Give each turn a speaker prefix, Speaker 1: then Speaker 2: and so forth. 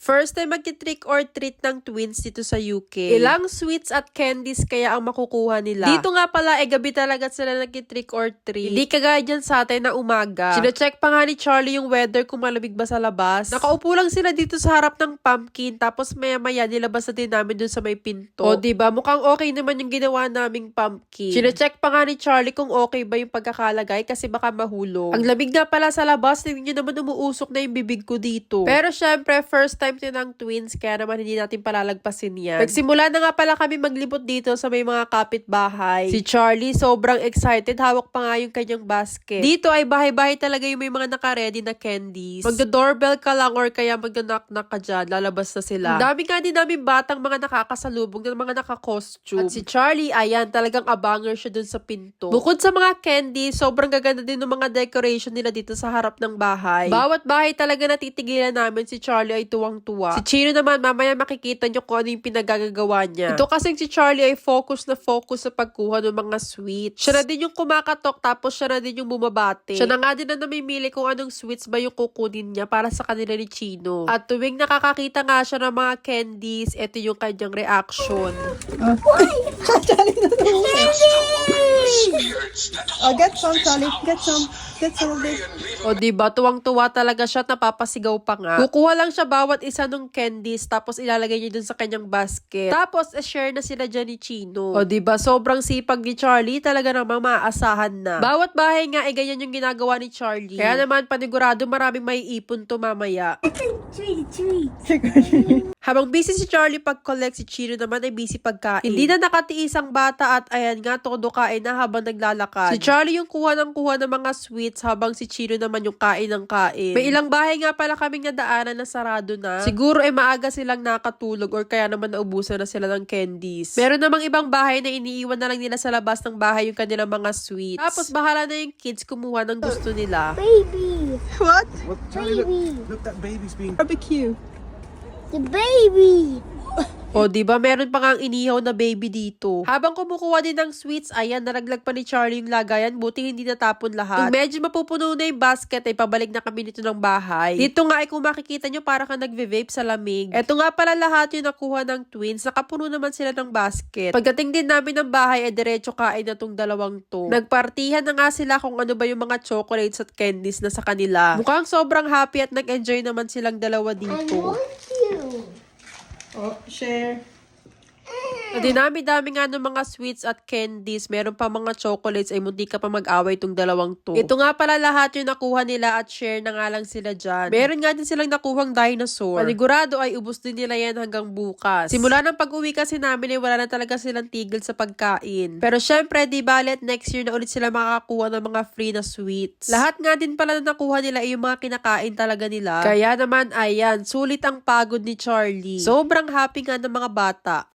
Speaker 1: First time magti-trick or treat ng twins dito sa UK. Ilang sweets at candies kaya ang makukuha nila. Dito nga pala, gabi talaga sila nagti-trick or treat. Hindi kagaya dyan sa atin na umaga. Sina-check pa nga ni Charlie yung weather kung malamig ba sa labas. Nakaupo lang sila dito sa harap ng pumpkin, tapos maya-maya nilabas na din namin dun sa may pinto. O diba, mukhang okay naman yung ginawa naming pumpkin. Sina-check pa nga ni Charlie kung okay ba yung pagkakalagay kasi baka mahulog. Ang lamig nga pala sa labas, hindi nyo naman umuusok na yung bibig ko dito. Pero syempre, first time din ng twins, kaya naman hindi natin palalagpasin yan. Nagsimula na nga pala kami maglibot dito sa may mga kapitbahay. Si Charlie, sobrang excited, hawak pa nga yung kanyang basket. Dito ay bahay-bahay talaga yung may mga naka-ready na candies. Magda-doorbell ka lang or kaya magda-knock-knock ka dyan, lalabas na sila. Ang dami nga din namin batang mga nakakasalubong na mga naka-costume. At si Charlie, ayan, talagang abanger siya dun sa pinto. Bukod sa mga candies, sobrang gaganda din ng mga decoration nila dito sa harap ng bahay. Bawat bahay talaga natitigilan namin, si Charlie ay tuwang-tuwa. Si Chino naman, mamaya makikita nyo kung ano yung pinagagagawa niya. Ito kasing si Charlie ay focus na focus sa pagkuha ng mga sweets. Siya na din yung kumakatok, tapos siya na din yung bumabate. Siya na nga din na namimili kung anong sweets ba yung kukunin niya para sa kanila ni Chino. At tuwing nakakakita nga siya ng mga candies, ito yung kanyang reaction.
Speaker 2: Oh, get some, Charlie. Get some. Get some of this.
Speaker 1: O diba, tuwang-tuwa talaga siya at napapasigaw pa nga. Kukuha lang siya bawat isa ng candies, tapos ilalagay niya dun sa kanyang basket. Tapos, share na sila dyan ni Chino. O diba, sobrang sipag ni Charlie, talaga namang maaasahan na. Bawat bahay nga, ganyan yung ginagawa ni Charlie. Kaya naman, panigurado maraming may ipon to mamaya. Habang busy si Charlie pag-collect, si Chino naman ay busy pagkain. Hindi na nakatiis ang bata at ayan nga, todo kain na habang naglalakad. Si Charlie yung kuha ng mga sweets habang si Chino naman yung kain ng kain. May ilang bahay nga pala kaming nadaanan na sarado na. Siguro maaga silang nakatulog or kaya naman naubusan na sila ng candies. Meron namang ibang bahay na iniiwan na lang nila sa labas ng bahay yung kanilang mga sweets. Tapos bahala na yung kids kumuha ng gusto nila.
Speaker 3: Baby,
Speaker 2: What?
Speaker 4: What? Charlie,
Speaker 3: baby,
Speaker 4: look, that baby's being...
Speaker 2: Barbecue.
Speaker 3: the baby.
Speaker 1: O, diba, meron pa nga ang inihaw na baby dito. Habang kumukuha din ng sweets, ayan, naraglag pa ni Charlie yung lagayan, buti hindi natapon lahat. Kung medyo mapupuno na yung basket, ay pabalik na kami nito ng bahay. Dito nga ay kung makikita nyo, para kang nagve-vape sa lamig. Eto nga pala lahat yung nakuha ng twins, nakapuno naman sila ng basket. Pagdating din namin ng bahay, ay diretso kain na tong dalawang to. Nagpartihan na nga sila kung ano ba yung mga chocolates at candies na sa kanila. Mukhang sobrang happy at nag-enjoy naman silang dalawa
Speaker 3: I
Speaker 1: dito.
Speaker 3: want you.
Speaker 2: Oh, share.
Speaker 1: Sa dinami-dami nga ng mga sweets at candies, meron pa mga chocolates, ay munti ka pa mag-away itong dalawang to. Ito nga pala lahat yung nakuha nila at share na nga lang sila dyan. Meron nga din silang nakuhang dinosaur. Panigurado ay ubos din nila yan hanggang bukas. Simula ng pag-uwi kasi namin ay wala na talaga silang tigil sa pagkain. Pero syempre, di balet next year na ulit sila makakakuha ng mga free na sweets. Lahat nga din pala na nakuha nila ay yung mga kinakain talaga nila. Kaya naman, ayan, sulit ang pagod ni Charlie. Sobrang happy nga ng mga bata.